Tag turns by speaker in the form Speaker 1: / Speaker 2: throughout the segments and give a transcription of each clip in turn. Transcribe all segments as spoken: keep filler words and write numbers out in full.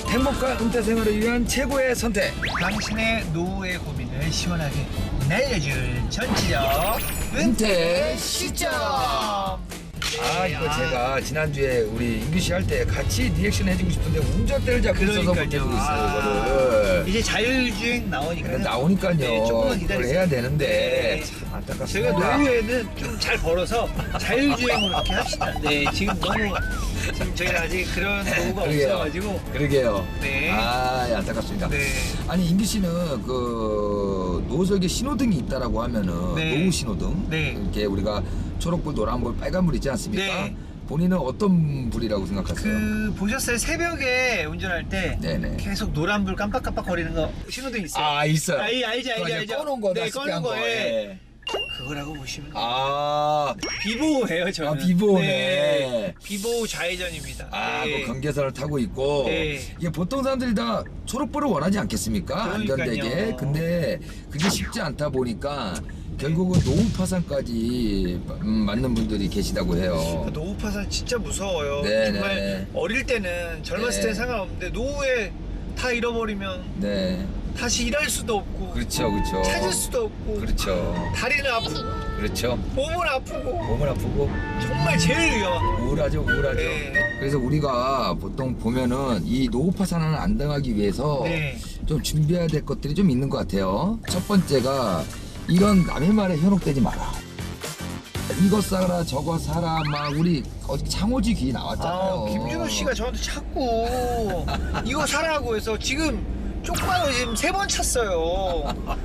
Speaker 1: 행복한 은퇴 생활을 위한 최고의 선택.
Speaker 2: 당신의 노후의 고민을 시원하게 날려줄 전지력
Speaker 1: 은퇴 시점. 아 이거 제가 지난주에 우리 인규 씨 할 때 같이 리액션 해주고 싶은데 운전대를 잡고 있어서 못 해주고 있어요. 이거를.
Speaker 2: 이제 자율주행 나오니까
Speaker 1: 나오니까요.
Speaker 2: 네, 조금만
Speaker 1: 그걸
Speaker 2: 기다리세요.
Speaker 1: 해야 되는데
Speaker 2: 네.
Speaker 1: 참 안타깝습니다.
Speaker 2: 저희가 노후에는 좀 잘 벌어서 자율주행으로 이렇게 합시다. 네, 지금 너무 지금 저희가 아직 그런 노후가
Speaker 1: 그러게요.
Speaker 2: 없어가지고.
Speaker 1: 그러게요.
Speaker 2: 네.
Speaker 1: 아 예, 안타깝습니다.
Speaker 2: 네.
Speaker 1: 아니 인규 씨는 그 노석에 신호등이 있다라고 하면은
Speaker 2: 네.
Speaker 1: 노후 신호등
Speaker 2: 네.
Speaker 1: 이렇게 우리가 초록불, 노란불, 빨간불 있지 않습니까?
Speaker 2: 네.
Speaker 1: 본인은 어떤 불이라고 생각하세요?
Speaker 2: 그 보셨어요? 새벽에 운전할 때
Speaker 1: 네네.
Speaker 2: 계속 노란불 깜빡깜빡 거리는 거 신호등 있어요.
Speaker 1: 아 있어요.
Speaker 2: 아, 이 알지 알지
Speaker 1: 그거
Speaker 2: 알죠.
Speaker 1: 꺼놓은 거,
Speaker 2: 네,
Speaker 1: 낯설게
Speaker 2: 꺼놓은
Speaker 1: 한 거.
Speaker 2: 거에
Speaker 1: 예.
Speaker 2: 그거라고 보시면 돼요.
Speaker 1: 아,
Speaker 2: 비보호예요 저는.
Speaker 1: 아, 비보호네.
Speaker 2: 네. 비보호 좌회전입니다.
Speaker 1: 아,
Speaker 2: 네.
Speaker 1: 그 경계선을 타고 있고
Speaker 2: 네.
Speaker 1: 이게 보통 사람들이 다 초록불을 원하지 않겠습니까?
Speaker 2: 그러니까요.
Speaker 1: 안전되게. 근데 그게 쉽지 않다 보니까 결국은 노후 파산까지 음, 맞는 분들이 계시다고 해요.
Speaker 2: 그 노후 파산 진짜 무서워요.
Speaker 1: 네,
Speaker 2: 정말
Speaker 1: 네.
Speaker 2: 어릴 때는 젊었을
Speaker 1: 네.
Speaker 2: 때는 상관없는데 노후에 다 잃어버리면
Speaker 1: 네,
Speaker 2: 다시 일할 수도 없고
Speaker 1: 그렇죠, 그렇죠.
Speaker 2: 찾을 수도 없고
Speaker 1: 그렇죠,
Speaker 2: 다리는 아프고
Speaker 1: 그렇죠.
Speaker 2: 몸은 아프고
Speaker 1: 몸은 아프고
Speaker 2: 정말 제일 위험한 거.
Speaker 1: 우울하죠, 우울하죠.
Speaker 2: 네.
Speaker 1: 그래서 우리가 보통 보면은 이 노후 파산을 안 당하기 위해서
Speaker 2: 네.
Speaker 1: 좀 준비해야 될 것들이 좀 있는 것 같아요. 첫 번째가 이런 남의 말에 현혹되지 마라. 이거 사라 저거 사라 막 우리 어디 창호지 귀 나왔잖아요.
Speaker 2: 아, 김준호 씨가 저한테 자꾸 이거 사라고 해서 지금 쪽방을 지금 세 번 찼어요.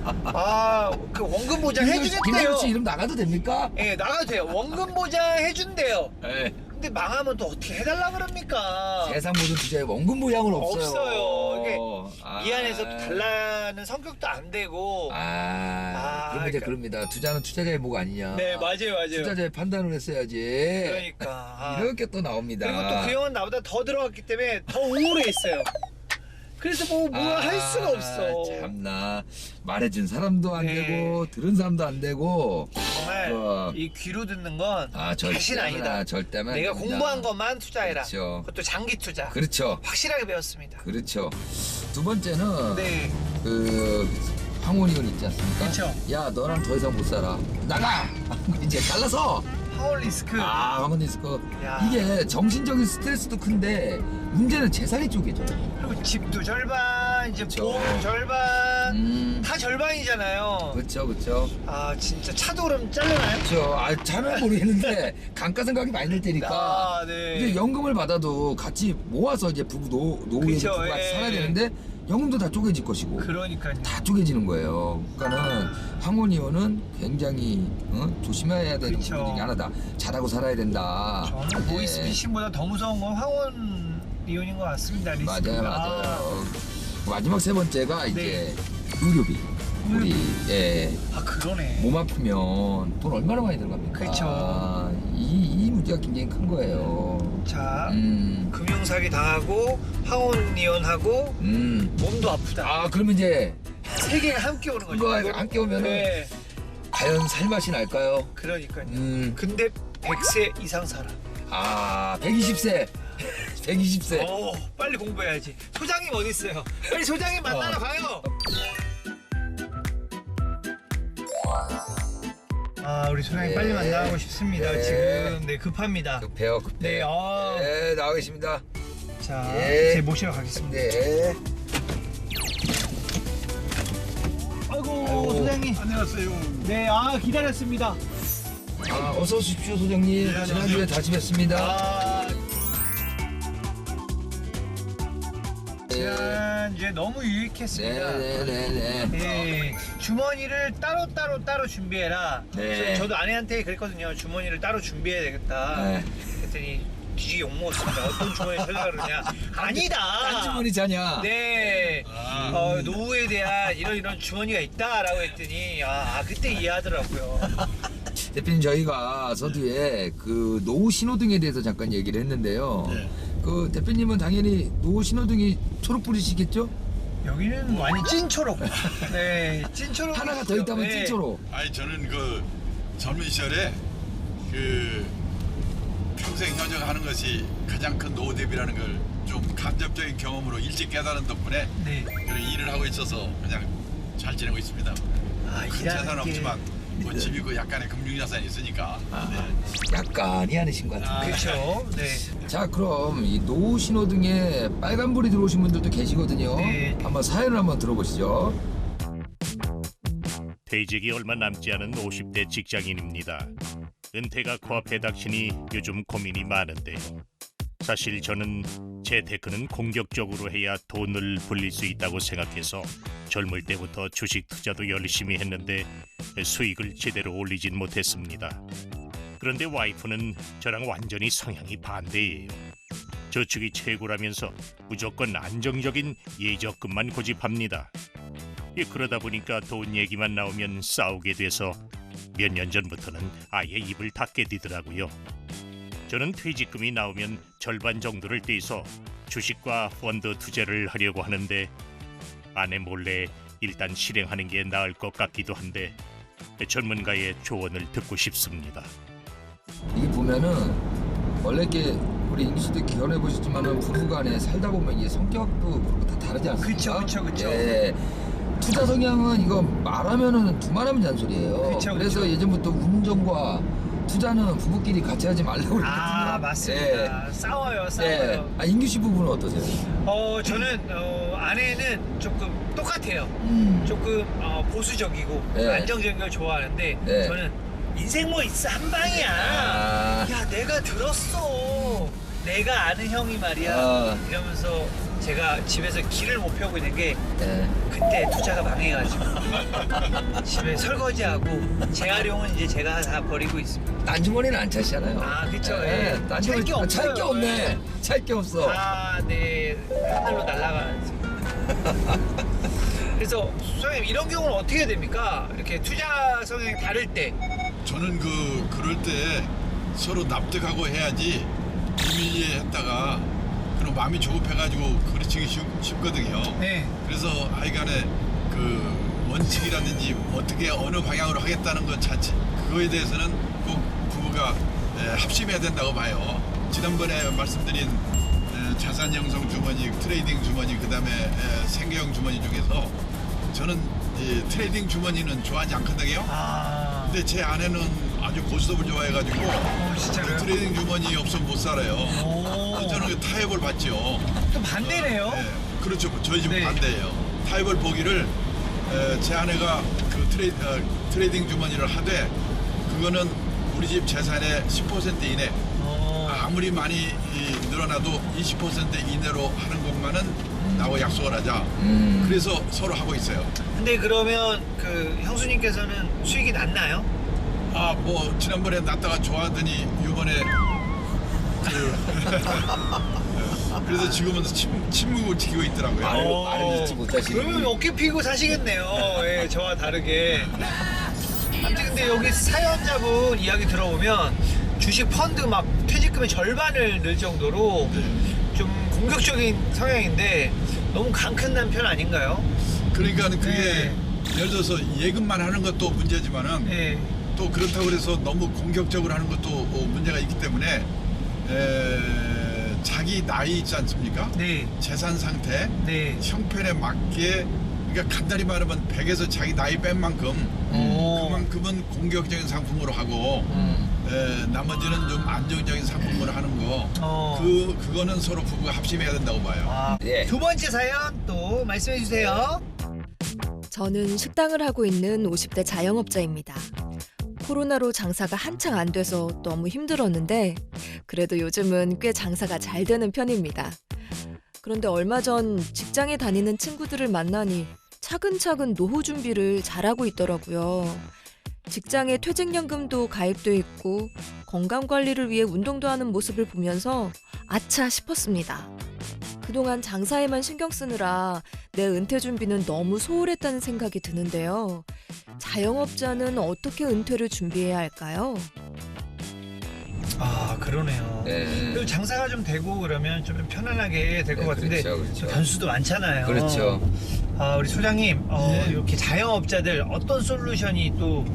Speaker 2: 아, 그 원금 보장 해주겠대요.
Speaker 1: 김준호 씨 이름 나가도 됩니까?
Speaker 2: 예, 나가도 돼요. 원금 보장 해준대요.
Speaker 1: 네.
Speaker 2: 근데 망하면 또 어떻게 해달라 그럽니까?
Speaker 1: 세상 모든 투자에 원금 보장은 없어요.
Speaker 2: 없어요. 이게
Speaker 1: 아.
Speaker 2: 미안해서 또 달라는 성격도 안 되고.
Speaker 1: 아,
Speaker 2: 아,
Speaker 1: 그러면 이제
Speaker 2: 그러니까.
Speaker 1: 그럽니다. 투자는 투자자의 목 아니냐.
Speaker 2: 네, 맞아요, 맞아요.
Speaker 1: 투자자의 판단을 했어야지.
Speaker 2: 그러니까. 아.
Speaker 1: 이렇게 또 나옵니다.
Speaker 2: 그리고 또 그 형은 나보다 더 들어갔기 때문에 더 우울해 있어요. 그래서 뭐, 뭐 할 수가 없어.
Speaker 1: 참나. 말해준 사람도 안
Speaker 2: 네.
Speaker 1: 되고, 들은 사람도 안 되고.
Speaker 2: 정말
Speaker 1: 어.
Speaker 2: 이 귀로 듣는 건
Speaker 1: 아,
Speaker 2: 다신 아니다.
Speaker 1: 절대만.
Speaker 2: 내가
Speaker 1: 안 됩니다.
Speaker 2: 공부한 것만 투자해라.
Speaker 1: 그렇죠.
Speaker 2: 그것도 장기 투자.
Speaker 1: 그렇죠.
Speaker 2: 확실하게 배웠습니다.
Speaker 1: 그렇죠. 두 번째는,
Speaker 2: 네.
Speaker 1: 그, 황혼이혼 있지 않습니까?
Speaker 2: 그쵸.
Speaker 1: 야, 너랑 더 이상 못 살아. 나가! 이제 잘라서!
Speaker 2: 파워 리스크.
Speaker 1: 아, 황혼 리스크.
Speaker 2: 야.
Speaker 1: 이게 정신적인 스트레스도 큰데, 문제는 재산이 쪼개져.
Speaker 2: 그리고 집도 절반, 이제
Speaker 1: 그쵸.
Speaker 2: 보험 절반.
Speaker 1: 음.
Speaker 2: 다 절반이잖아요.
Speaker 1: 그렇죠, 그렇죠.
Speaker 2: 아, 진짜 차도 그럼 잘라나요?
Speaker 1: 그렇죠. 아, 잘은 모르겠는데 감가상각이 많이 들 테니까
Speaker 2: 아, 네.
Speaker 1: 이제 연금을 받아도 같이 모아서 이제 부부 노 노후에
Speaker 2: 그쵸,
Speaker 1: 부부가
Speaker 2: 예.
Speaker 1: 살아야 되는데 연금도 다 쪼개질 것이고
Speaker 2: 그러니까요.
Speaker 1: 다 쪼개지는 거예요. 그러니까는 황혼이혼은 굉장히 어? 조심해야 되는
Speaker 2: 그쵸.
Speaker 1: 부분 중에 하나다. 잘하고 살아야 된다.
Speaker 2: 저는
Speaker 1: 예.
Speaker 2: 보이스피싱보다 더 무서운 건 황혼 이혼인 것 같습니다. 리스크가.
Speaker 1: 맞아요, 맞아요. 마지막 세 번째가 이제
Speaker 2: 네.
Speaker 1: 의료비. 우리 예.
Speaker 2: 아, 그러네.
Speaker 1: 몸 아프면 돈 얼마나 많이 들어갑니까?
Speaker 2: 그쵸.
Speaker 1: 이, 이 문제가 굉장히 큰 거예요.
Speaker 2: 자,
Speaker 1: 음,
Speaker 2: 금융사기 당하고 황혼 이혼하고
Speaker 1: 음.
Speaker 2: 몸도 아프다.
Speaker 1: 아, 그러면 이제
Speaker 2: 세 개가 함께 오는 거죠.
Speaker 1: 그거
Speaker 2: 이거-
Speaker 1: 함께 오면은
Speaker 2: 네,
Speaker 1: 과연 살맛이 날까요?
Speaker 2: 그러니까요.
Speaker 1: 음,
Speaker 2: 근데 백 세 이상 살아.
Speaker 1: 아, 백이십 세. 백이십 세.
Speaker 2: 어, 빨리 공부해야지. 소장님 어디 있어요? 빨리 소장님 만나러
Speaker 1: 어.
Speaker 2: 가요. 아, 우리 소장님
Speaker 1: 네.
Speaker 2: 빨리 만나고 싶습니다.
Speaker 1: 네.
Speaker 2: 지금 네 급합니다.
Speaker 1: 급해요, 급해.
Speaker 2: 네, 아.
Speaker 1: 네, 나와 계십니다.
Speaker 2: 자,
Speaker 1: 네.
Speaker 2: 이제 모시러 가겠습니다.
Speaker 1: 네.
Speaker 2: 아이고,
Speaker 1: 아이고.
Speaker 2: 소장님.
Speaker 3: 안녕하세요.
Speaker 2: 네, 아 기다렸습니다.
Speaker 1: 아, 어서 오십시오, 소장님.
Speaker 3: 네,
Speaker 1: 지난주에 다시 뵙습니다.
Speaker 2: 아, 지난주에 너무 유익했습니다.
Speaker 1: 네, 네, 네, 네.
Speaker 2: 예, 주머니를 따로 따로 따로 준비해라.
Speaker 1: 네.
Speaker 2: 그래서 저도 아내한테 그랬거든요. 주머니를 따로 준비해야 되겠다.
Speaker 1: 네.
Speaker 2: 그랬더니 뒤지게 욕 먹었습니다. 어떤 주머니 찾아가 그러냐? 아니다.
Speaker 1: 딴 주머니 자냐?
Speaker 2: 네.
Speaker 3: 아.
Speaker 2: 어, 노후에 대한 이런 이런 주머니가 있다라고 했더니 아, 아, 그때 이해하더라고요.
Speaker 1: 대표님, 저희가 서두에 그 노후 신호등에 대해서 잠깐 얘기를 했는데요.
Speaker 3: 네.
Speaker 1: 그 대표님은 당연히 노후 신호등이 초록불이시겠죠?
Speaker 2: 여기는 완전 찐초록. 네, 찐초록.
Speaker 1: 하나가 더 있다면
Speaker 2: 네.
Speaker 1: 찐초록.
Speaker 3: 아니 저는 그 젊은 시절에 그 평생 현역하는 것이 가장 큰 노후 대비라는 걸 좀 간접적인 경험으로 일찍 깨달은 덕분에
Speaker 2: 네.
Speaker 3: 그런 일을 하고 있어서 그냥 잘 지내고 있습니다.
Speaker 2: 아,
Speaker 3: 큰
Speaker 2: 일하는
Speaker 3: 재산은
Speaker 2: 게-
Speaker 3: 없지만 뭐 집이 그 약간의 금융자산이 있으니까. 네.
Speaker 1: 약간이 아니신 것 같은데.
Speaker 2: 그렇죠. 네.
Speaker 1: 자, 그럼 이 노후 신호등에 빨간불이 들어오신 분들도 계시거든요.
Speaker 2: 네.
Speaker 1: 한번 사연을 한번 들어보시죠.
Speaker 4: 퇴직이 얼마 남지 않은 오십 대 직장인입니다. 은퇴가 코앞에 닥치니 요즘 고민이 많은데요. 사실 저는 재테크는 공격적으로 해야 돈을 불릴 수 있다고 생각해서 젊을 때부터 주식 투자도 열심히 했는데 수익을 제대로 올리진 못했습니다. 그런데 와이프는 저랑 완전히 성향이 반대예요. 저축이 최고라면서 무조건 안정적인 예적금만 고집합니다. 예, 그러다 보니까 돈 얘기만 나오면 싸우게 돼서 몇 년 전부터는 아예 입을 닫게 되더라고요. 저는 퇴직금이 나오면 절반 정도를 떼서 주식과 펀드 투자를 하려고 하는데 아내 몰래 일단 실행하는 게 나을 것 같기도 한데 전문가의 조언을 듣고 싶습니다.
Speaker 1: 이게 보면은 원래 이렇게 우리 인기 씨도 결혼해 보셨지만은 부부간에 살다 보면 이게 성격도 그렇고 다 다르지 않습니까?
Speaker 2: 그쵸, 그쵸, 그쵸.
Speaker 1: 예. 투자 성향은 이거 말하면은 두말하면 잔소리예요.
Speaker 2: 그쵸,
Speaker 1: 그래서
Speaker 2: 그쵸.
Speaker 1: 예전부터 운전과 투자는 부부끼리 같이 하지 말라고 그랬거든요.
Speaker 2: 아, 맞습니다. 싸워요, 싸워요.
Speaker 1: 예. 아, 인규 씨 부부는 어떠세요?
Speaker 2: 어, 저는 어, 아내는 조금 똑같아요.
Speaker 1: 음.
Speaker 2: 조금 어, 보수적이고
Speaker 1: 네.
Speaker 2: 안정적인 걸 좋아하는데
Speaker 1: 네.
Speaker 2: 저는 인생 뭐 있어 한 방이야.
Speaker 1: 아.
Speaker 2: 야, 내가 들었어. 내가 아는 형이 말이야.
Speaker 1: 아.
Speaker 2: 이러면서 제가 집에서 길을 못 펴고 있는 게
Speaker 1: 예.
Speaker 2: 그때 투자가 망해가지고 집에 설거지하고 재활용은 이제 제가 다 버리고 있습니다.
Speaker 1: 딴 주머니는 안 차시잖아요.
Speaker 2: 아, 그쵸.
Speaker 1: 예.
Speaker 2: 예.
Speaker 1: 딴
Speaker 2: 찰게
Speaker 1: 주머니
Speaker 2: 없어요.
Speaker 1: 찰게 없네. 찰 게 없어.
Speaker 2: 아, 네. 하늘로 날아가는 그래서 소장님 이런 경우는 어떻게 해야 됩니까? 이렇게 투자 성향이 다를 때.
Speaker 3: 저는 그 그럴 때 서로 납득하고 해야지 비밀리에 했다가 그럼 마음이 조급해가지고 그르치기 쉽, 쉽거든요.
Speaker 2: 네.
Speaker 3: 그래서 하여간에 그 원칙이라든지 어떻게 어느 방향으로 하겠다는 것 자체 그거에 대해서는 꼭 부부가 에, 합심해야 된다고 봐요. 지난번에 말씀드린 에, 자산 형성 주머니, 트레이딩 주머니, 그다음에 에, 생계형 주머니 중에서 저는 이 트레이딩 주머니는 좋아하지 않거든요.
Speaker 2: 아.
Speaker 3: 근데 제 아내는 아주 고스톱을 좋아해가지고
Speaker 2: 어, 진짜로요?
Speaker 3: 트레이딩 주머니 없으면 못 살아요.
Speaker 2: 오.
Speaker 3: 저는 그 타협을 받죠.
Speaker 2: 또 반대네요.
Speaker 3: 네, 그렇죠. 저희 집은
Speaker 2: 네.
Speaker 3: 반대예요. 타협을 보기를 에, 제 아내가 그 트레이, 어, 트레이딩 주머니를 하되 그거는 우리 집 재산의 십 퍼센트 이내
Speaker 2: 어.
Speaker 3: 아무리 많이 이, 늘어나도 이십 퍼센트 이내로 하는 것만은 나하고 약속을 하자.
Speaker 1: 음.
Speaker 3: 그래서 서로 하고 있어요.
Speaker 2: 근데 그러면 그 형수님께서는 수익이 났나요?
Speaker 3: 아, 뭐 지난번에 났다가 좋아하더니 이번에 그 그래서 지금은 침, 침묵을 지키고 있더라고요.
Speaker 1: 말을,
Speaker 2: 어.
Speaker 1: 말을 잊지 못하시는.
Speaker 2: 그러면 어깨 피고 사시겠네요. 예, 저와 다르게. 아무튼 근데 여기 사연자분 이야기 들어보면 주식 펀드 막 퇴직금의 절반을 넣을 정도로 좀 공격적인 성향인데 너무 강큰난 편 아닌가요?
Speaker 3: 그러니까 그게
Speaker 2: 네.
Speaker 3: 예를 들어서 예금만 하는 것도 문제지만은
Speaker 2: 예.
Speaker 3: 또 그렇다고 해서 너무 공격적으로 하는 것도 어, 문제가 있기 때문에 에, 자기 나이 있지 않습니까?
Speaker 2: 네.
Speaker 3: 재산 상태,
Speaker 2: 네.
Speaker 3: 형편에 맞게 그러니까 간단히 말하면 백에서 자기 나이 뺀 만큼
Speaker 2: 오.
Speaker 3: 그만큼은 공격적인 상품으로 하고
Speaker 1: 음.
Speaker 3: 에, 나머지는 좀 안정적인 상품으로 하는 거.
Speaker 2: 어.
Speaker 3: 그 그거는 서로 부부가 합심해야 된다고 봐요.
Speaker 2: 아,
Speaker 1: 예.
Speaker 2: 두 번째 사연 또 말씀해 주세요.
Speaker 5: 저는 식당을 하고 있는 오십 대 자영업자입니다. 코로나로 장사가 한창 안 돼서 너무 힘들었는데 그래도 요즘은 꽤 장사가 잘 되는 편입니다. 그런데 얼마 전 직장에 다니는 친구들을 만나니 차근차근 노후 준비를 잘하고 있더라고요. 직장에 퇴직연금도 가입돼 있고 건강관리를 위해 운동도 하는 모습을 보면서 아차 싶었습니다. 그동안 장사에만 신경 쓰느라 내 은퇴 준비는 너무 소홀했다는 생각이 드는데요. 자영업자는 어떻게 은퇴를 준비해야 할까요?
Speaker 2: 아, 그러네요.
Speaker 1: 네.
Speaker 2: 그리고 장사가 좀 되고 그러면 좀 편안하게 될 것
Speaker 1: 네,
Speaker 2: 같은데
Speaker 1: 그렇죠, 그렇죠.
Speaker 2: 변수도 많잖아요.
Speaker 1: 그렇죠.
Speaker 2: 아, 우리 소장님 어,
Speaker 3: 네.
Speaker 2: 이렇게 자영업자들 어떤 솔루션이 또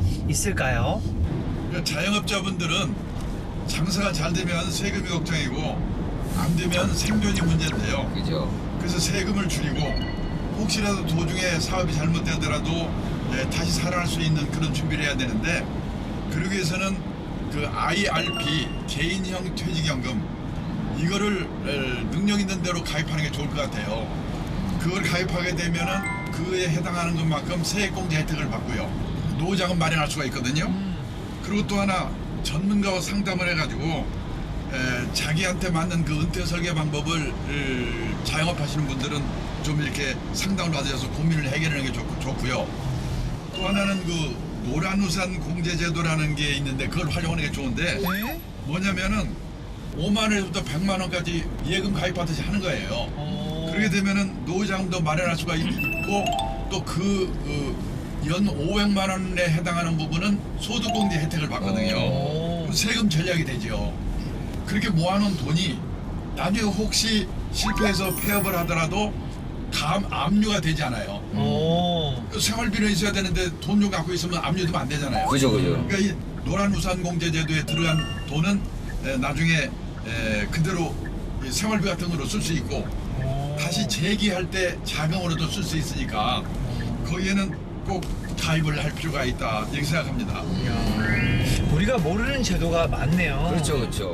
Speaker 2: 있을까요?
Speaker 3: 그러니까 자영업자분들은 장사가 잘 되면 세금이 걱정이고 안 되면 생존이 문제인데요.
Speaker 1: 그죠?
Speaker 3: 그래서 세금을 줄이고 혹시라도 도중에 사업이 잘못되더라도 예, 다시 살아날 수 있는 그런 준비를 해야 되는데 그러기 위해서는 그 아이알피 개인형 퇴직연금 이거를 에, 능력 있는 대로 가입하는 게 좋을 것 같아요. 그걸 가입하게 되면은 그에 해당하는 것만큼 세액공제 혜택을 받고요. 노후자금 마련할 수가 있거든요. 그리고 또 하나 전문가와 상담을 해가지고 에, 자기한테 맞는 그 은퇴 설계 방법을 을, 자영업하시는 분들은 좀 이렇게 상담을 받으셔서 고민을 해결하는 게 좋, 좋고요. 또 하나는 그 노란우산 공제제도라는 게 있는데 그걸 활용하는 게 좋은데
Speaker 2: 네?
Speaker 3: 뭐냐면은 오만 원부터 백만 원까지 예금 가입하듯이 하는 거예요.
Speaker 2: 어...
Speaker 3: 그렇게 되면은 노후자금도 마련할 수가 있고 또 그 연 오백만 원에 해당하는 부분은 소득공제 혜택을 받거든요.
Speaker 2: 오.
Speaker 3: 그럼 세금 전략이 되죠. 그렇게 모아놓은 돈이 나중에 혹시 실패해서 폐업을 하더라도 감 압류가 되지 않아요.
Speaker 2: 오.
Speaker 3: 생활비는 있어야 되는데 돈 좀 갖고 있으면 압류되면 안 되잖아요.
Speaker 1: 그죠, 그죠.
Speaker 3: 그러니까 이 노란우산공제제도에 들어간 돈은 에, 나중에 에, 그대로 이 생활비 같은 거로 쓸 수 있고 다시 재기할 때 자금으로도 쓸 수 있으니까 거기에는 꼭 가입을 할 필요가 있다 이렇게 생각합니다.
Speaker 2: 이야, 우리가 모르는 제도가 많네요.
Speaker 1: 그렇죠, 그렇죠.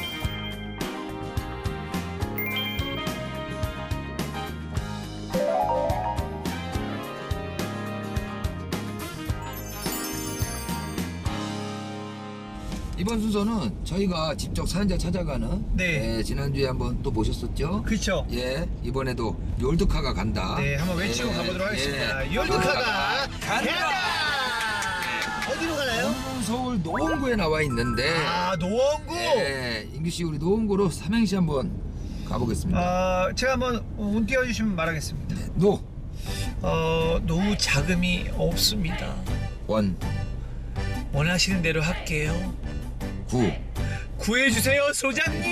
Speaker 1: 이번 순서는 저희가 직접 사연자 찾아가는
Speaker 2: 네.
Speaker 1: 예, 지난주에 한번 또 모셨었죠.
Speaker 2: 그렇죠.
Speaker 1: 예, 이번에도 욜드카가 간다.
Speaker 2: 네, 한번 외치고
Speaker 1: 예,
Speaker 2: 가보도록 하겠습니다.
Speaker 1: 예.
Speaker 2: 욜드카가 간다! 어디로 가나요?
Speaker 1: 오늘은 서울 노원구에 나와 있는데
Speaker 2: 아, 노원구!
Speaker 1: 예, 인규 씨 우리 노원구로 삼행시 한번 가보겠습니다.
Speaker 2: 아, 제가 한번 운 띄워주시면 말하겠습니다.
Speaker 1: 노,
Speaker 2: 어, 노후 자금이 없습니다.
Speaker 1: 원,
Speaker 2: 원하시는 대로 할게요.
Speaker 1: 구.
Speaker 2: 구해주세요, 소장님!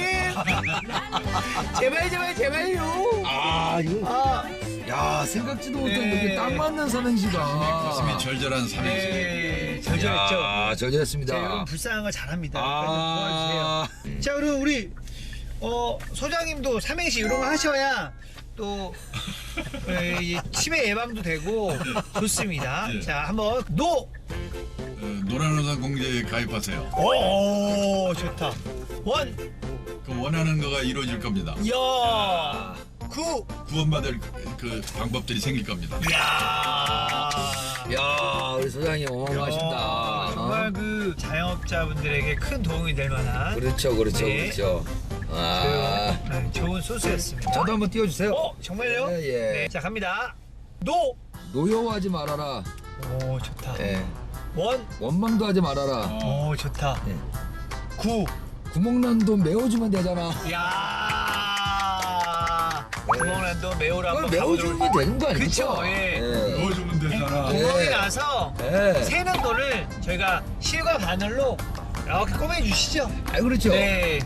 Speaker 2: 제발, 제발, 제발요!
Speaker 1: 아, 이거
Speaker 2: 아,
Speaker 1: 야 생각지도 못한
Speaker 2: 네.
Speaker 1: 이게 딱 맞는 삼행시다.
Speaker 3: 가슴이 절절한 삼행시.
Speaker 2: 네, 절절했죠.
Speaker 1: 아, 절절했습니다.
Speaker 2: 자, 여러분 불쌍한 거 잘합니다.
Speaker 1: 아,
Speaker 2: 도와주세요. 자, 그리고 우리 어, 소장님도 삼행시 이런 거 하셔야 또 에, 이 치매 예방도 되고 좋습니다.
Speaker 3: 네.
Speaker 2: 자, 한번 노.
Speaker 3: 어, 노란우산 공제에 가입하세요.
Speaker 2: 오, 좋다. 원.
Speaker 3: 그 원하는 거가 이루어질 겁니다.
Speaker 2: 야. 구.
Speaker 3: 구원받을 그, 그 방법들이 생길 겁니다.
Speaker 2: 야.
Speaker 1: 야 우리 소장님 어마어마하신다.
Speaker 2: 어, 정말
Speaker 1: 어?
Speaker 2: 그 자영업자분들에게 큰 도움이 될 만한
Speaker 1: 그렇죠, 그렇죠,
Speaker 2: 네.
Speaker 1: 그렇죠. 아,
Speaker 2: 그, 네, 좋은 소스였습니다.
Speaker 1: 저도 한번 띄워주세요.
Speaker 2: 어, 정말요?
Speaker 1: 예, 예.
Speaker 2: 네, 자 갑니다. 노.
Speaker 1: 노여워하지 말아라.
Speaker 2: 오, 좋다.
Speaker 1: 예.
Speaker 2: 원.
Speaker 1: 원망도 하지 말아라.
Speaker 2: 오, 좋다.
Speaker 1: 예.
Speaker 2: 구.
Speaker 1: 구멍난 돈 메워주면 되잖아.
Speaker 2: 야. 구멍난도 매우라
Speaker 1: 그걸
Speaker 2: 한번 가보도록.
Speaker 1: 메워주면 되는 거 아니죠?
Speaker 2: 그쵸, 예.
Speaker 3: 넣어주면 되잖아.
Speaker 1: 예.
Speaker 2: 구멍이 나서
Speaker 1: 예.
Speaker 2: 새는 돈을 저희가 실과 바늘로 이렇게 꼬매 주시죠.
Speaker 1: 아, 그렇죠.
Speaker 2: 네.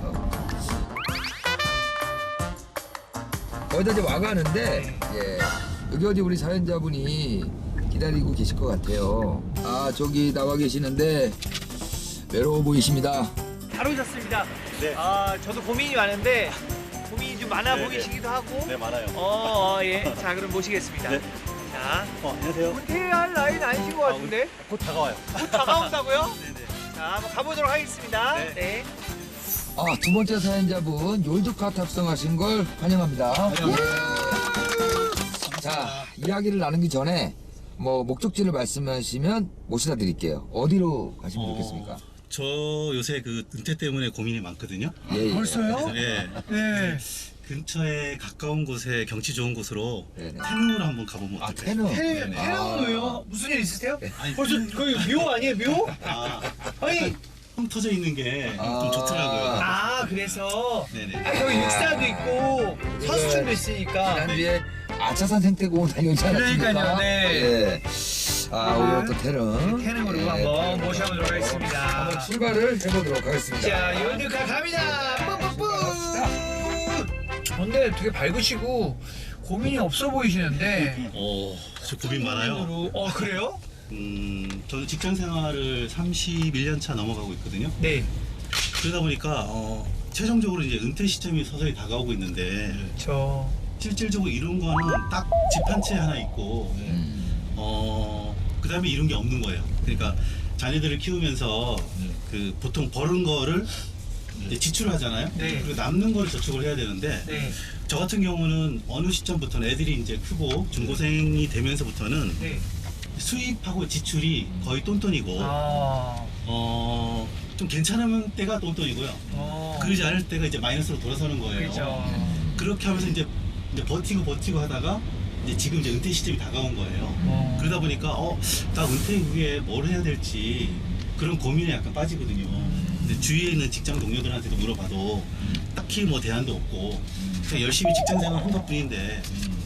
Speaker 1: 거의 다 이제 와가는데,
Speaker 2: 네.
Speaker 1: 예. 여기 어디 우리 사연자분이 기다리고 계실 것 같아요. 아, 저기 나와 계시는데, 외로워 보이십니다.
Speaker 2: 잘 오셨습니다. 네. 아, 저도 고민이 많은데 고민이 좀 많아
Speaker 6: 네,
Speaker 2: 보이시기도 하고.
Speaker 6: 네 맞아요.
Speaker 2: 어, 어, 예. 자, 그럼 모시겠습니다.
Speaker 6: 네.
Speaker 2: 자,
Speaker 6: 어 안녕하세요.
Speaker 2: 은퇴할 나이는 아니신 것 같은데?
Speaker 6: 곧 다가와요.
Speaker 2: 곧 다가온다고요?
Speaker 6: 네네.
Speaker 2: 자, 한번 가보도록 하겠습니다.
Speaker 6: 네.
Speaker 2: 네.
Speaker 1: 아, 두 번째 사연자분, 욜드카 탑승하신 걸 환영합니다. 예. 자, 이야기를 나누기 전에, 뭐, 목적지를 말씀하시면 모시다 드릴게요. 어디로 가시면
Speaker 6: 어,
Speaker 1: 좋겠습니까?
Speaker 6: 저 요새 그 은퇴 때문에 고민이 많거든요.
Speaker 1: 예, 예.
Speaker 2: 벌써요?
Speaker 6: 예.
Speaker 2: 네.
Speaker 6: 근처에 가까운 곳에 경치 좋은 곳으로
Speaker 1: 네네.
Speaker 6: 태릉으로 한번 가보면
Speaker 1: 아,
Speaker 6: 어떨까요?
Speaker 1: 태릉.
Speaker 2: 태-
Speaker 6: 네.
Speaker 2: 태릉으로요? 무슨 일 있으세요?
Speaker 6: 아니,
Speaker 2: 벌써 거기 묘 아니에요, 묘?
Speaker 6: 아,
Speaker 2: 아니,
Speaker 6: 텅 터져 있는 게 좀
Speaker 1: 아.
Speaker 6: 좋더라고요.
Speaker 2: 아, 그래서
Speaker 6: 네네.
Speaker 2: 아, 여기 육사도 있고 서수촌도 있으니까.
Speaker 1: 지난주에 아차산 생태공원 다녀오지 않았습니까?
Speaker 2: 그러니까요, 네.
Speaker 1: 예. 아, 오늘 또 태릉.
Speaker 2: 태릉으로
Speaker 1: 예,
Speaker 2: 한번 모셔보도록 하겠습니다.
Speaker 1: 한번 출발을 해보도록 하겠습니다.
Speaker 2: 자, 욜드카 갑니다. 뿌뿌뿌. 근데 되게 밝으시고 고민이 없어 보이시는데.
Speaker 6: 어, 저 고민 많아요.
Speaker 2: 고민으로- 어, 그래요?
Speaker 6: 음, 저는 직장 생활을 삼십일 년 차 넘어가고 있거든요.
Speaker 2: 네.
Speaker 6: 그러다 보니까 어, 최종적으로 이제 은퇴 시점이 서서히 다가오고 있는데
Speaker 2: 저
Speaker 6: 실질적으로 이룬 거는 딱 집 한 채 하나 있고
Speaker 1: 음.
Speaker 6: 어 그다음에 이룬 게 없는 거예요. 그러니까 자녀들을 키우면서 그 보통 벌은 거를 이제 지출하잖아요.
Speaker 2: 네.
Speaker 6: 그리고 남는 거를 저축을 해야 되는데
Speaker 2: 네.
Speaker 6: 저 같은 경우는 어느 시점부터는 애들이 이제 크고 중고생이 되면서부터는
Speaker 2: 네.
Speaker 6: 수입하고 지출이 거의 똔똔이고
Speaker 2: 아.
Speaker 6: 어, 좀 괜찮으면 때가 똔똔이고요.
Speaker 2: 어.
Speaker 6: 그러지 않을 때가 이제 마이너스로 돌아서는 거예요.
Speaker 2: 그렇죠.
Speaker 6: 그렇게 하면서 이제, 이제 버티고 버티고 하다가 이제 지금 이제 은퇴 시점이 다가온 거예요.
Speaker 2: 어.
Speaker 6: 그러다 보니까 어, 나 은퇴 후에 뭘 해야 될지 그런 고민에 약간 빠지거든요. 근데 주위에 있는 직장 동료들한테도 물어봐도 딱히 뭐 대안도 없고 그냥 열심히 직장 생활 한 것뿐인데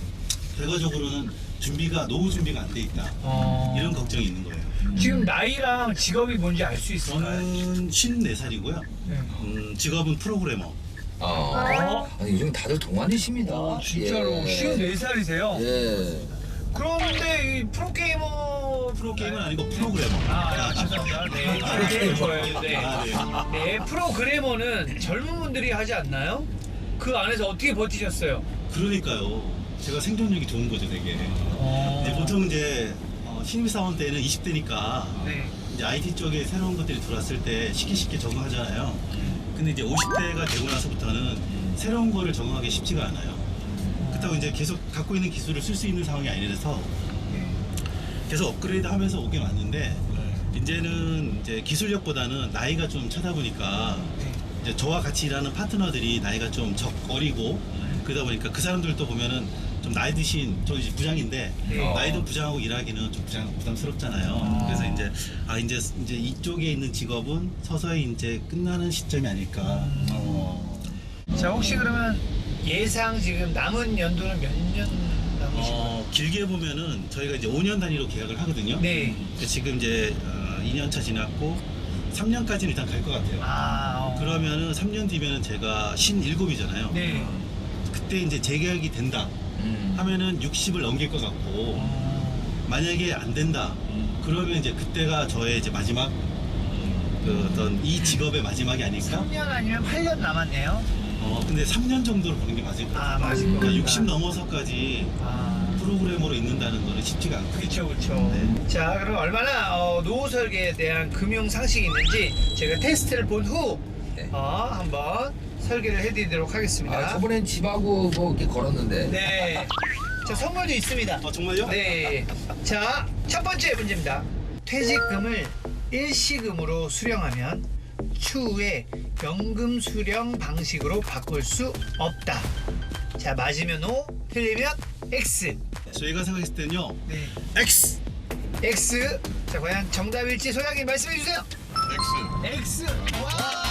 Speaker 6: 결과적으로는 준비가 노후 준비가 안 돼 있다.
Speaker 2: 어.
Speaker 6: 이런 걱정이 있는 거예요.
Speaker 2: 지금 나이랑 직업이 뭔지 알 수 있을까요?
Speaker 6: 저는 쉰네 살이고요.
Speaker 2: 네.
Speaker 6: 음, 직업은 프로그래머.
Speaker 1: 아,
Speaker 2: 어?
Speaker 1: 아니, 요즘 다들 동안이십니다.
Speaker 2: 어, 진짜로
Speaker 1: 예.
Speaker 2: 쉰네 살이세요?
Speaker 1: 예.
Speaker 2: 그런데 이 프로게이머
Speaker 6: 프로게이머는 아니고 프로그래머.
Speaker 2: 아, 죄송합니다. 네, 프로게이머예요. 네.
Speaker 6: 아, 네.
Speaker 2: 네, 프로그래머는 젊은 분들이 하지 않나요? 그 안에서 어떻게 버티셨어요?
Speaker 6: 그러니까요. 제가 생존력이 좋은 거죠, 되게.
Speaker 2: 어.
Speaker 6: 네, 보통 이제 어, 신입사원 때는 이십 대니까
Speaker 2: 네.
Speaker 6: 이제 아이티 쪽에 새로운 것들이 들어왔을 때 쉽게 쉽게 적응하잖아요. 근데 이제 오십 대가 되고 나서부터는 새로운 거를 적응하기 쉽지가 않아요. 그렇다고 이제 계속 갖고 있는 기술을 쓸 수 있는 상황이 아니라서 계속 업그레이드 하면서 오긴 왔는데 이제는 이제 기술력보다는 나이가 좀 차다 보니까 이제 저와 같이 일하는 파트너들이 나이가 좀 적 어리고 그러다 보니까 그 사람들도 보면은 좀 나이 드신 저 이제 부장인데
Speaker 2: 네.
Speaker 6: 나이 든 부장하고 일하기는 좀 부장 부담스럽잖아요. 그래서 이제 아 이제 이제 이쪽에 있는 직업은 서서히 이제 끝나는 시점이 아닐까. 어.
Speaker 2: 자, 혹시 그러면 예상 지금 남은 연도는 몇 년 남으신가요?
Speaker 6: 어, 길게 보면은 저희가 이제 오 년 단위로 계약을 하거든요.
Speaker 2: 네.
Speaker 6: 지금 이제 어, 이 년 차 지났고 삼 년까지는 일단 갈 것 같아요.
Speaker 2: 아, 어.
Speaker 6: 그러면은 삼 년 뒤면은 제가 쉰일곱이잖아요.
Speaker 2: 네.
Speaker 6: 그때 이제 재계약이 된다
Speaker 1: 음.
Speaker 6: 하면은 육십을 넘길 것 같고
Speaker 2: 어.
Speaker 6: 만약에 안 된다 그러면 이제 그때가 저의 이제 마지막 그 어떤 이 직업의 마지막이 아닐까?
Speaker 2: 삼 년 아니면 팔 년 남았네요.
Speaker 6: 어 근데 삼 년 정도로 보는 게 맞을 것 같아요.
Speaker 2: 아, 맞을 것 같다.
Speaker 6: 그러니까 육십 넘어서까지
Speaker 2: 아.
Speaker 6: 프로그래머로 있는다는 거는 쉽지가 않거든요.
Speaker 2: 그렇죠, 그렇죠.
Speaker 6: 네.
Speaker 2: 자, 그럼 얼마나 어, 노후 설계에 대한 금융 상식이 있는지 제가 테스트를 본 후
Speaker 1: 네.
Speaker 2: 어, 한번 설계를 해드리도록 하겠습니다.
Speaker 1: 아, 저번엔 집하고 뭐 이렇게 걸었는데.
Speaker 2: 네. 자, 선물도 있습니다.
Speaker 6: 아 정말요?
Speaker 2: 네. 자, 첫 번째 문제입니다. 퇴직금을 일시금으로 수령하면 추후에 연금 수령 방식으로 바꿀 수 없다. 자, 맞으면 O, 틀리면 X.
Speaker 6: 저희가 생각했을 때는요.
Speaker 2: 네.
Speaker 6: X.
Speaker 2: X. 자, 과연 정답일지 소장님 말씀해 주세요.
Speaker 3: X.
Speaker 2: X. 와!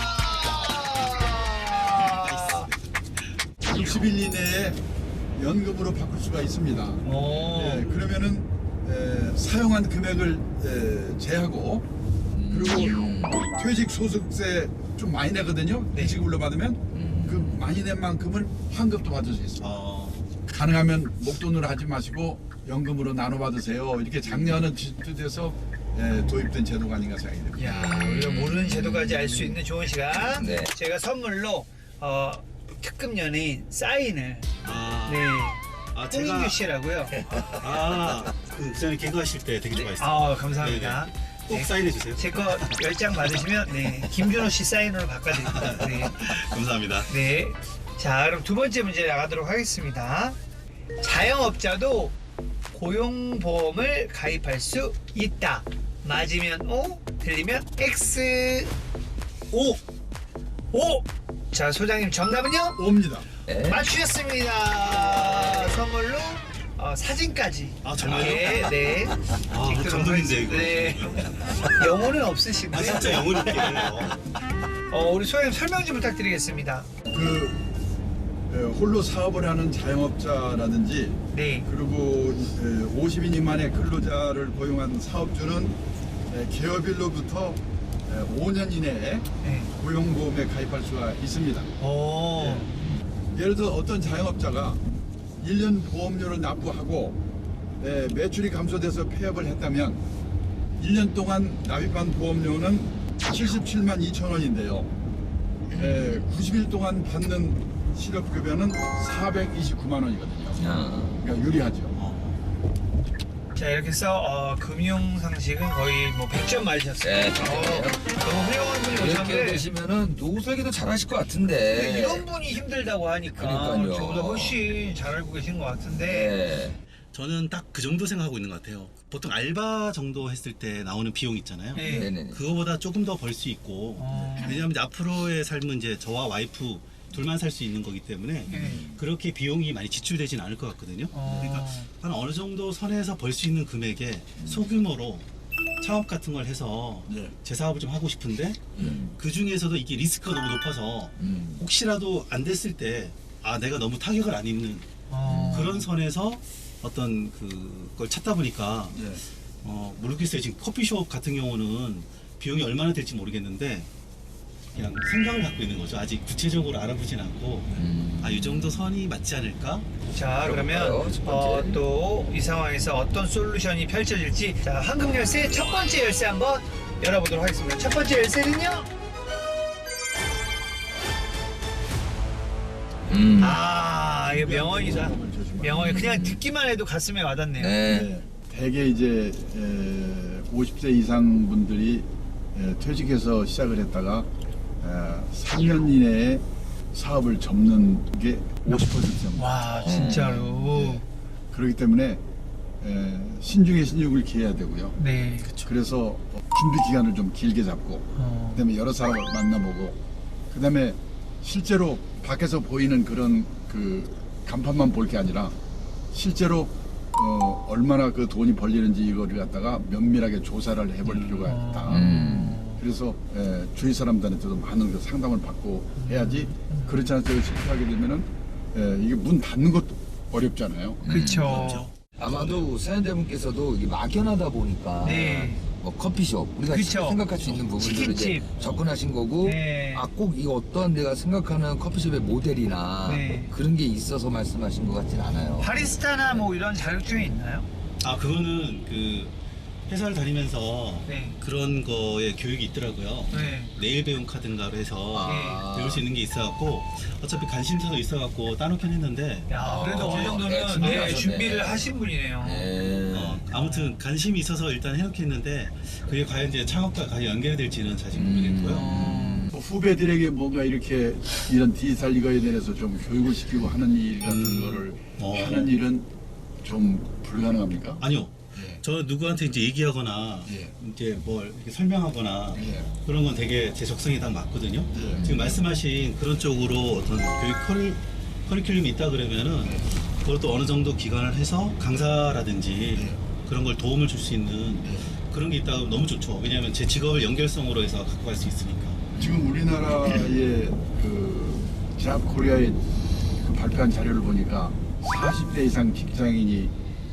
Speaker 3: 육십 일 이내에 연금으로 바꿀 수가 있습니다.
Speaker 2: 오.
Speaker 3: 예, 그러면은 에, 사용한 금액을 에, 제하고 그리고
Speaker 1: 음.
Speaker 3: 퇴직 소득세 좀 많이 내거든요.
Speaker 2: 네.
Speaker 3: 퇴직을로 받으면 그 많이 낸 만큼을 환급도 받을 수 있습니다.
Speaker 6: 어,
Speaker 3: 가능하면 목돈으로 하지 마시고 연금으로 나눠 받으세요. 이렇게 작년은 지도돼서 예, 도입된 제도가 아닌가 생각이 됩니다.
Speaker 2: 야, 우리가 모르는 제도까지 알 수 있는 좋은 시간.
Speaker 1: 네.
Speaker 2: 제가 선물로 어, 특급 연예인 사인을
Speaker 6: 아,
Speaker 2: 네.
Speaker 6: 아
Speaker 2: 홍인규 씨라고요.
Speaker 6: 아, 그 전에 개그하실 때 되게 좋아했어요.
Speaker 2: 아, 감사합니다.
Speaker 6: 꼭 사인해 주세요.
Speaker 2: 제 거 열 장 받으시면 네, 김준호 씨 사인으로 바꿔드립니다. 네.
Speaker 6: 감사합니다.
Speaker 2: 네. 자, 그럼 두 번째 문제 나가도록 하겠습니다. 자영업자도 고용보험을 가입할 수 있다. 맞으면 O, 틀리면 X.
Speaker 6: 오!
Speaker 2: O. 자, 소장님 정답은요?
Speaker 3: 옵니다.
Speaker 1: 네.
Speaker 2: 맞추셨습니다. 선물로 어, 사진까지.
Speaker 6: 아, 정말요?
Speaker 2: 네, 네.
Speaker 6: 아,
Speaker 2: 찍도록
Speaker 6: 감동인데, 이거.
Speaker 2: 네. 영혼은 없으시고요.
Speaker 6: 아, 진짜 영혼 있게.
Speaker 2: 어, 우리 소장님 설명 좀 부탁드리겠습니다.
Speaker 3: 그 에, 홀로 사업을 하는 자영업자라든지
Speaker 2: 네.
Speaker 3: 그리고 에, 오십 인 미만의 근로자를 고용한 사업주는 에, 기업일로부터 에, 오 년 이내에
Speaker 2: 네.
Speaker 3: 고용보험에 가입할 수가 있습니다.
Speaker 2: 오.
Speaker 3: 예를 들어 어떤 자영업자가 일 년 보험료를 납부하고 에, 매출이 감소돼서 폐업을 했다면 일 년 동안 납입한 보험료는 칠십칠만 이천 원인데요. 에, 구십 일 동안 받는 실업급여는 사백이십구만 원이거든요.
Speaker 1: 아.
Speaker 3: 그러니까 유리하죠.
Speaker 2: 자 이렇게 해서 어, 금융 상식은 거의 뭐 백 점 맞으셨어요.
Speaker 1: 네,
Speaker 2: 어, 너무 훌륭한 분이
Speaker 1: 이렇게
Speaker 2: 오셨는데
Speaker 1: 되시면은 노후 설계도 잘하실 것
Speaker 2: 근데
Speaker 1: 같은데.
Speaker 2: 이런 분이 힘들다고 하니까
Speaker 1: 그러니까요.
Speaker 2: 저보다 훨씬 잘 알고 계신 것 같은데
Speaker 1: 네.
Speaker 6: 저는 딱 그 정도 생각하고 있는 것 같아요. 보통 알바 정도 했을 때 나오는 비용 있잖아요.
Speaker 2: 네.
Speaker 1: 네네네.
Speaker 6: 그거보다 조금 더 벌 수 있고
Speaker 2: 어.
Speaker 6: 왜냐하면 이제 앞으로의 삶은 이제 저와 와이프 둘만 살 수 있는 거기 때문에
Speaker 2: 네.
Speaker 6: 그렇게 비용이 많이 지출되진 않을 것 같거든요.
Speaker 2: 어.
Speaker 6: 그러니까 한 어느 정도 선에서 벌 수 있는 금액에 소규모로 창업 같은 걸 해서
Speaker 3: 예.
Speaker 6: 제 사업을 좀 하고 싶은데
Speaker 1: 음.
Speaker 6: 그 중에서도 이게 리스크가 너무 높아서
Speaker 1: 음.
Speaker 6: 혹시라도 안 됐을 때 아 내가 너무 타격을 안 입는
Speaker 2: 어.
Speaker 6: 그런 선에서 어떤 그걸 찾다 보니까
Speaker 3: 예.
Speaker 6: 어 모르겠어요. 지금 커피숍 같은 경우는 비용이 얼마나 될지 모르겠는데 그냥 생각을 갖고 있는 거죠. 아직 구체적으로 알아보진 않고
Speaker 1: 음.
Speaker 6: 아 이 정도 선이 맞지 않을까?
Speaker 2: 자 그러면
Speaker 1: 그럴까요? 첫 번째.
Speaker 2: 어, 또 이 상황에서 어떤 솔루션이 펼쳐질지 자 황금 열쇠 첫 번째 열쇠 한번 열어보도록 하겠습니다. 첫 번째 열쇠는요.
Speaker 1: 음.
Speaker 2: 아 이거 명언이다. 명언이 그냥 듣기만 해도 가슴에 와닿네요.
Speaker 1: 네.
Speaker 3: 네. 대개 이제 에, 오십 세 이상 분들이 에, 퇴직해서 시작을 했다가 에, 삼 년 이내에 사업을 접는 게 오십 퍼센트 정도.
Speaker 2: 와 진짜로.
Speaker 3: 그렇기 때문에 에, 신중에 신중을 기해야 되고요.
Speaker 2: 네.
Speaker 3: 그래서 준비 기간을 좀 길게 잡고
Speaker 2: 어.
Speaker 3: 그다음에 여러 사람을 만나보고 그다음에 실제로 밖에서 보이는 그런 그 간판만 볼 게 아니라 실제로 어, 얼마나 그 돈이 벌리는지 이거를 갖다가 면밀하게 조사를 해볼 필요가 있다.
Speaker 1: 음.
Speaker 3: 그래서 에, 주위 사람들한테도 많은 그 상담을 받고 해야지 그렇지 않아서 실패하게 되면은 에, 이게 문 닫는 것도 어렵잖아요.
Speaker 2: 그렇죠.
Speaker 1: 아마도 사연자분께서도 이게 막연하다 보니까
Speaker 2: 네.
Speaker 1: 뭐 커피숍 우리가
Speaker 2: 그쵸.
Speaker 1: 생각할 수 있는 부분들을 이제
Speaker 2: 치킨집.
Speaker 1: 접근하신 거고
Speaker 2: 네.
Speaker 1: 아 꼭 이거 어떤 내가 생각하는 커피숍의 모델이나
Speaker 2: 네.
Speaker 1: 그런 게 있어서 말씀하신 것 같진 않아요.
Speaker 2: 바리스타나 뭐 이런 자격증이 있나요?
Speaker 6: 아 그거는 그 회사를 다니면서
Speaker 2: 네.
Speaker 6: 그런 거에 교육이 있더라고요.
Speaker 2: 네.
Speaker 6: 내일 배움 카드인가로 해서
Speaker 1: 아.
Speaker 6: 배울 수 있는 게 있어갖고 어차피 관심사도 있어갖고 따놓긴 했는데
Speaker 2: 야 그래도
Speaker 1: 어,
Speaker 2: 어느 정도는
Speaker 1: 네, 준비를
Speaker 2: 네,
Speaker 1: 하셨네.
Speaker 2: 준비를 하신 분이네요.
Speaker 1: 네.
Speaker 6: 어, 아무튼 관심이 있어서 일단 해놓겠는데 그게 과연 이제 창업과 과연 연결이 될지는 사실
Speaker 1: 음.
Speaker 6: 모르겠고요.
Speaker 3: 뭐 후배들에게 뭔가 이렇게 이런 디지털 이거에 대해서 좀 교육을 시키고 하는 일 같은
Speaker 6: 음.
Speaker 3: 거를
Speaker 6: 어.
Speaker 3: 하는 일은 좀 불가능합니까?
Speaker 6: 아니요.
Speaker 3: 예.
Speaker 6: 저 누구한테 이제 얘기하거나
Speaker 3: 예.
Speaker 6: 이제 뭘 이렇게 설명하거나
Speaker 3: 예.
Speaker 6: 그런 건 되게 제 적성에 딱 맞거든요.
Speaker 3: 예.
Speaker 6: 지금 말씀하신 그런 쪽으로 어떤 교육 커리, 커리큘럼이 있다 그러면은 그것도 어느 정도 기간을 해서 강사라든지
Speaker 3: 예.
Speaker 6: 그런 걸 도움을 줄 수 있는 그런 게 있다면 너무 좋죠. 왜냐하면 제 직업을 연결성으로 해서 갖고 갈 수 있으니까.
Speaker 3: 지금 우리나라의 그 잡 코리아의 그 발표한 자료를 보니까 사십 대 이상 직장인이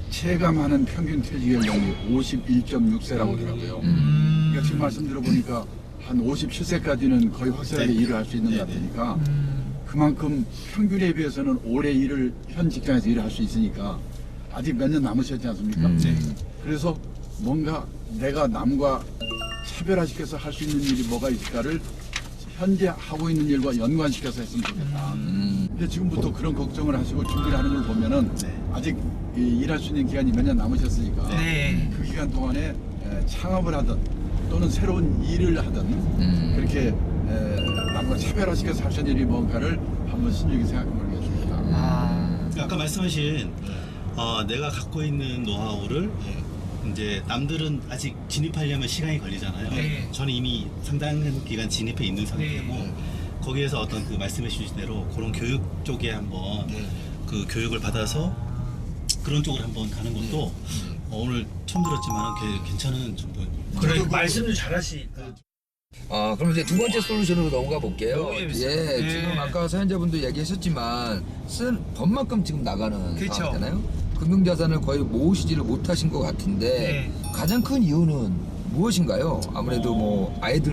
Speaker 3: 체감하는 평균 퇴직 연령이 오십일 점 육 세라고 하더라고요.
Speaker 1: 음.
Speaker 3: 그러니까 지금 말씀 들어보니까 한 오십칠 세까지는 거의 확실하게
Speaker 6: 네.
Speaker 3: 일을 할 수 있는
Speaker 6: 네,
Speaker 3: 것
Speaker 6: 네.
Speaker 3: 같으니까
Speaker 2: 음.
Speaker 3: 그만큼 평균에 비해서는 오래 일을 현 직장에서 일을 할 수 있으니까 아직 몇 년 남으셨지 않습니까?
Speaker 1: 음. 네.
Speaker 3: 그래서 뭔가 내가 남과 차별화시켜서 할 수 있는 일이 뭐가 있을까를 현재 하고 있는 일과 연관시켜서 했으면 좋겠다.
Speaker 1: 음.
Speaker 3: 근데 지금부터 그런 걱정을 하시고 준비를 하는 걸 보면은
Speaker 6: 네.
Speaker 3: 아직 이 일할 수 있는 기간이 몇 년 남으셨으니까
Speaker 2: 네.
Speaker 3: 그 기간 동안에 에, 창업을 하든 또는 새로운 일을 하든
Speaker 1: 음.
Speaker 3: 그렇게 에, 남과 차별화시켜서 할 수 있는 일이 뭔가를 한번 신중히 생각해 보는 게 좋겠다.
Speaker 2: 아.
Speaker 6: 아까 말씀하신 어, 내가 갖고 있는 노하우를 이제 남들은 아직 진입하려면 시간이 걸리잖아요.
Speaker 2: 네.
Speaker 6: 저는 이미 상당한 기간 진입해 있는 상태고
Speaker 2: 네.
Speaker 6: 거기에서 어떤 그 말씀해 주신 대로 그런 교육 쪽에 한번 그 교육을 받아서 그런 쪽으로 한번 가는 것도 어, 오늘 처음 들었지만 괜찮은 정보입니다.
Speaker 2: 그래 말씀도 잘하시니까.
Speaker 1: 아 그럼 이제 두 번째 솔루션으로 넘어가 볼게요.
Speaker 2: 너무 재밌어요.
Speaker 1: 예,
Speaker 2: 네.
Speaker 1: 지금 아까 사연자분도 얘기하셨지만 쓴 법만큼 지금 나가는
Speaker 2: 그쵸.
Speaker 1: 상황이잖아요. 금융자산을 거의 모으시지를 못하신 것 같은데
Speaker 2: 네.
Speaker 1: 가장 큰 이유는 무엇인가요? 아무래도 뭐 아이들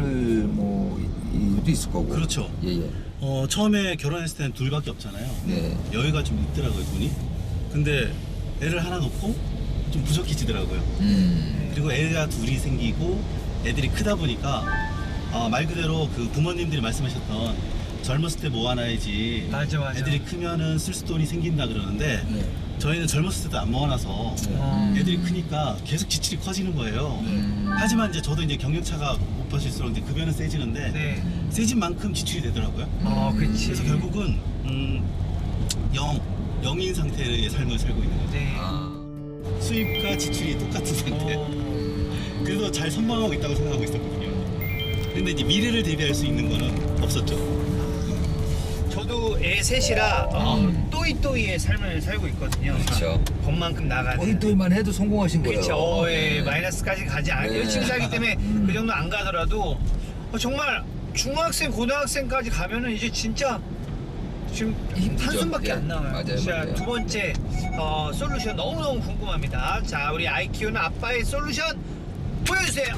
Speaker 1: 뭐 이유도 있을 거고.
Speaker 6: 그렇죠.
Speaker 1: 예예.
Speaker 6: 어, 처음에 결혼했을 때는 둘밖에 없잖아요.
Speaker 1: 네.
Speaker 6: 여유가 좀 있더라고요, 돈이. 근데 애를 하나 놓고 좀 부족해지더라고요.
Speaker 1: 음.
Speaker 6: 그리고 애가 둘이 생기고 애들이 크다 보니까 어, 말 그대로 그 부모님들이 말씀하셨던 젊었을 때 모아놔야지
Speaker 2: 맞아, 맞아.
Speaker 6: 애들이 크면은 쓸 돈이 생긴다 그러는데
Speaker 1: 네.
Speaker 6: 저희는 젊었을 때도 안 모아놔서
Speaker 2: 어.
Speaker 6: 애들이 크니까 계속 지출이 커지는 거예요.
Speaker 1: 음.
Speaker 6: 하지만 이제 저도 이제 경력차가 높아질수록 이제 급여는 세지는데
Speaker 2: 네.
Speaker 6: 세진 만큼 지출이 되더라고요.
Speaker 2: 어, 그치.
Speaker 6: 그래서 결국은 음, 영, 영인 상태의 삶을 살고 있는 거죠.
Speaker 2: 네.
Speaker 1: 아.
Speaker 6: 수입과 지출이 똑같은 상태.
Speaker 2: 어.
Speaker 6: 그래서 잘 선방하고 있다고 생각하고 있었거든요. 근데 이제 미래를 대비할 수 있는 거는 없었죠.
Speaker 2: 저도 애 셋이라 어,
Speaker 1: 음.
Speaker 2: 또이또이의 삶을 살고 있거든요.
Speaker 1: 그렇죠.
Speaker 2: 법만큼 나가는.
Speaker 1: 포인트만 해도 성공하신 거예요.
Speaker 2: 그렇죠. 어, 예,
Speaker 1: 네.
Speaker 2: 마이너스까지 가지 않아요.
Speaker 1: 네.
Speaker 2: 열심히 살기 때문에
Speaker 1: 음.
Speaker 2: 그 정도 안 가더라도 어, 정말 중학생, 고등학생까지 가면은 이제 진짜 지금
Speaker 1: 힘들죠.
Speaker 2: 한숨밖에
Speaker 1: 네.
Speaker 2: 안 나와요.
Speaker 1: 맞아요,
Speaker 2: 자,
Speaker 1: 맞아요.
Speaker 2: 두 번째 어, 솔루션 너무너무 궁금합니다. 자, 우리 아이 키우는 아빠의 솔루션 보여주세요.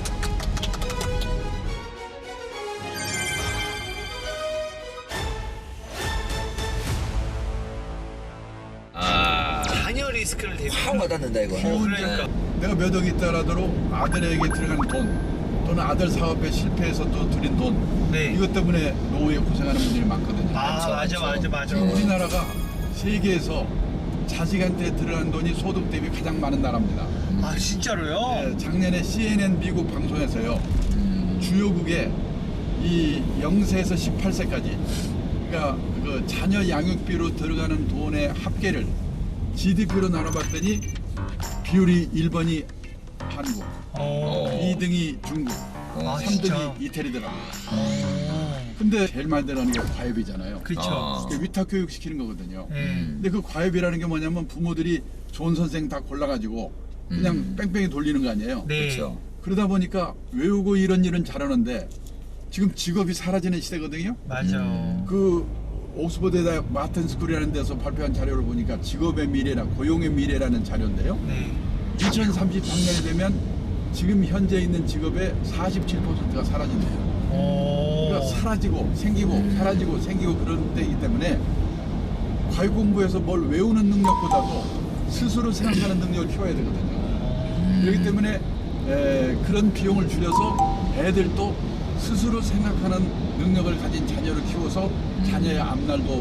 Speaker 1: 아.
Speaker 2: 자녀 리스크를 대비.
Speaker 1: 확 와닿는다 이거.
Speaker 2: 어, 그러니까.
Speaker 3: 내가 몇 억이 있더라도 아들에게 들어간 돈 또는 아들 사업에 실패해서 또 들인 돈
Speaker 2: 네.
Speaker 3: 이것 때문에 노후에 고생하는 분들이 많거든요.
Speaker 2: 아,
Speaker 1: 많죠,
Speaker 2: 맞아, 맞아,
Speaker 1: 많죠.
Speaker 2: 맞아.
Speaker 3: 지금 우리나라가 세계에서 자식한테 들어간 돈이 소득 대비 가장 많은 나라입니다.
Speaker 2: 아, 진짜로요?
Speaker 3: 네, 작년에 씨엔엔 미국 방송에서요
Speaker 1: 음.
Speaker 3: 주요국에 이 영 세에서 십팔 세까지 그러니까 그 자녀 양육비로 들어가는 돈의 합계를 지디피로 나눠봤더니 비율이 일 번이 한국,
Speaker 2: 어.
Speaker 3: 이 등이 중국,
Speaker 1: 어.
Speaker 2: 아,
Speaker 3: 삼 등이
Speaker 2: 진짜?
Speaker 3: 이태리더라고요.
Speaker 2: 어.
Speaker 3: 근데 제일 많이 들어가는 게 과외비잖아요.
Speaker 2: 그쵸.
Speaker 1: 어.
Speaker 3: 그게 위탁 교육 시키는 거거든요.
Speaker 2: 네.
Speaker 3: 근데 그 과외비라는 게 뭐냐면 부모들이 좋은 선생 다 골라가지고 그냥
Speaker 1: 음.
Speaker 3: 뺑뺑이 돌리는 거 아니에요.
Speaker 2: 네.
Speaker 1: 그렇죠.
Speaker 3: 그러다 보니까 외우고 이런 일은 잘하는데 지금 직업이 사라지는 시대거든요.
Speaker 2: 맞아.
Speaker 1: 음.
Speaker 3: 그 옥스퍼드에다 마튼 스쿨이라는 데서 발표한 자료를 보니까 직업의 미래라 고용의 미래라는 자료인데요.
Speaker 2: 네.
Speaker 3: 이천삼십삼 년이 되면 지금 현재 있는 직업의 사십칠 퍼센트가 사라진대요.
Speaker 2: 오.
Speaker 3: 그러니까 사라지고 생기고
Speaker 1: 음.
Speaker 3: 사라지고 생기고 그런 때이기 때문에 과외 공부에서 뭘 외우는 능력보다도 스스로 생각하는 능력을 키워야 되거든요. 그렇기 때문에 에, 그런 비용을 줄여서 애들도 스스로 생각하는 능력을 가진 자녀를 키워서 자녀의 앞날도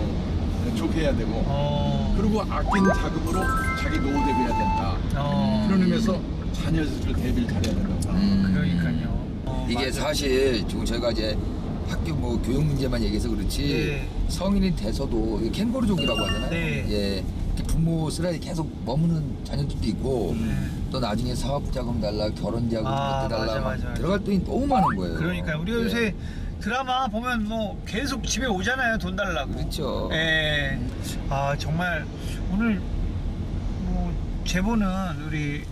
Speaker 3: 어, 좋게 해야 되고
Speaker 2: 어.
Speaker 3: 그리고 아낀 자금으로 자기 노후 대비해야 된다.
Speaker 2: 어.
Speaker 3: 그런 의미에서 자녀들 대비를 잘해야 된다고.
Speaker 1: 음.
Speaker 2: 그러니까요. 어,
Speaker 1: 이게
Speaker 2: 맞아.
Speaker 1: 사실 지금 저희가 이제 학교 뭐 교육 문제만 얘기해서 그렇지
Speaker 2: 네.
Speaker 1: 성인이 돼서도 이게 캥거루족이라고 하잖아요.
Speaker 2: 네.
Speaker 1: 예, 이렇게 부모 슬라이 계속 머무는 자녀들도 있고
Speaker 2: 네.
Speaker 1: 또 나중에 사업 자금 달라, 결혼 자금
Speaker 2: 아,
Speaker 1: 그때 달라
Speaker 2: 맞아,
Speaker 1: 막
Speaker 2: 맞아, 맞아.
Speaker 1: 들어갈 돈이 너무 많은 거예요.
Speaker 2: 그러니까 우리가
Speaker 1: 예.
Speaker 2: 요새 드라마 보면 뭐 계속 집에 오잖아요. 돈 달라고.
Speaker 1: 그렇죠.
Speaker 2: 예. 아, 정말 오늘 뭐 제보는 우리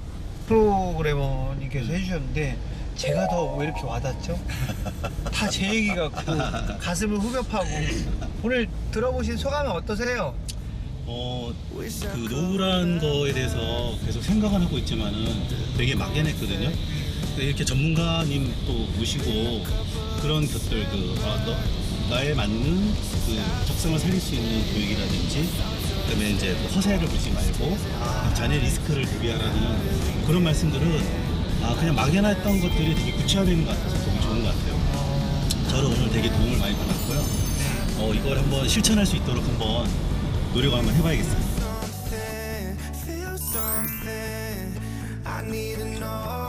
Speaker 2: 프로그래머님께서 해주셨는데 제가 더 왜 이렇게 와닿죠? 다 제 얘기 같고 가슴을 후벼파고 오늘 들어보신 소감은 어떠세요?
Speaker 6: 어, 그 노후라는 거에 대해서 계속 생각은 하고 있지만은 되게 막연했거든요. 근데 이렇게 전문가님 또 모시고 그런 것들 그 아, 너, 나에 맞는 그 적성을 살릴 수 있는 교육이라든지 그다음에 이제 뭐 허세를 부리지 말고 자녀 리스크를 대비하라는 그런 말씀들은 아 그냥 막연했던 것들이 되게 구체화되는 것 같아서 너무 좋은 것 같아요. 저는 오늘 되게 도움을 많이 받았고요. 어, 이걸 한번 실천할 수 있도록 한번 노력을 한번 해봐야겠습니다.
Speaker 7: Feel something I need to know.